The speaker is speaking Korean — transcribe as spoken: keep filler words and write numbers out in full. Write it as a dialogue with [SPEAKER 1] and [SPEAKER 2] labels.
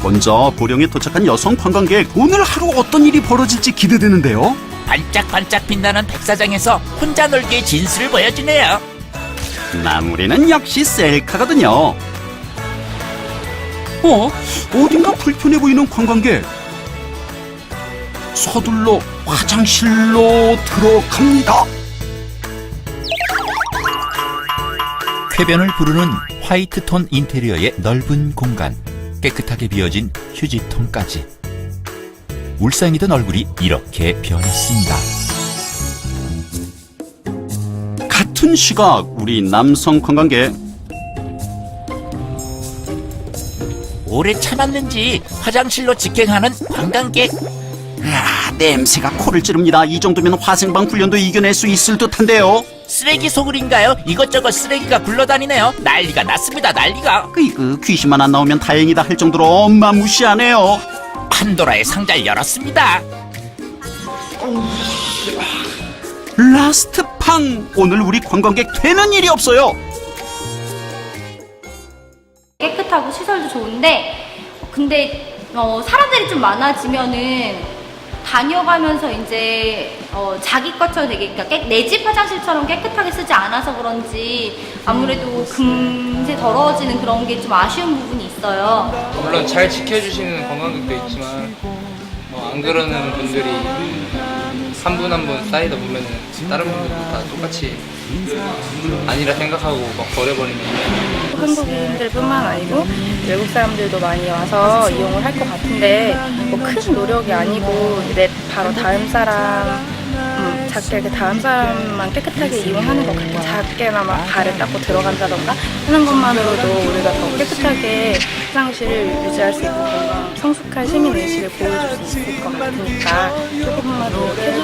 [SPEAKER 1] 먼저 보령에 도착한 여성 관광객, 오늘 하루 어떤 일이 벌어질지 기대되는데요.
[SPEAKER 2] 반짝반짝 빛나는 백사장에서 혼자 놀기의 진수를 보여주네요.
[SPEAKER 1] 마무리는 역시 셀카거든요. 어? 어딘가 불편해 보이는 관광객. 서둘러 화장실로 들어갑니다.
[SPEAKER 3] 쾌변을 부르는 화이트톤 인테리어의 넓은 공간, 깨끗하게 비어진 휴지통까지. 울상이던 얼굴이 이렇게 변했습니다.
[SPEAKER 1] 같은 시각 우리 남성 관광객.
[SPEAKER 2] 오래 참았는지 화장실로 직행하는 관광객.
[SPEAKER 1] 아, 냄새가 코를 찌릅니다. 이 정도면 화생방 훈련도 이겨낼 수 있을 듯한데요.
[SPEAKER 2] 쓰레기 소굴인가요? 이것저것 쓰레기가 굴러다니네요. 난리가 났습니다. 난리가.
[SPEAKER 1] 그 귀신만 안 나오면 다행이다 할 정도로 어마무시하네요.
[SPEAKER 2] 판도라의 상자를 열었습니다.
[SPEAKER 1] 라스트 팡! 오늘 우리 관광객 되는 일이 없어요.
[SPEAKER 4] 깨끗하고 시설도 좋은데 근데 어, 사람들이 좀 많아지면은 다녀가면서 이제 어, 자기 것처럼 되게 그러니까 내 집 화장실처럼 깨끗하게 쓰지 않아서 그런지 아무래도 금세 더러워지는 그런 게 좀 아쉬운 부분이 있어요.
[SPEAKER 5] 물론 잘 지켜주시는 관광객도 있지만 뭐 안 그러는 분들이 한 분 한 분 쌓이다 보면은 다른 분들도 다 똑같이 아니라 생각하고 막 버려버리는.
[SPEAKER 6] 한국인들뿐만 아니고 외국 사람들도 많이 와서 이용을 할 것 같은데 뭐 큰 노력이 아니고 내 바로 다음 사람 음, 작게 이렇게 다음 사람만 깨끗하게 이용하는 것 같아요. 작게나마 발을 닦고 들어간다던가 하는 것만으로도 우리가 더 깨끗하게 화장실을 유지할 수 있고 뭔가 성숙한 시민의식을 보여줄 수 있을 것 같으니까 조금만 노력해주시면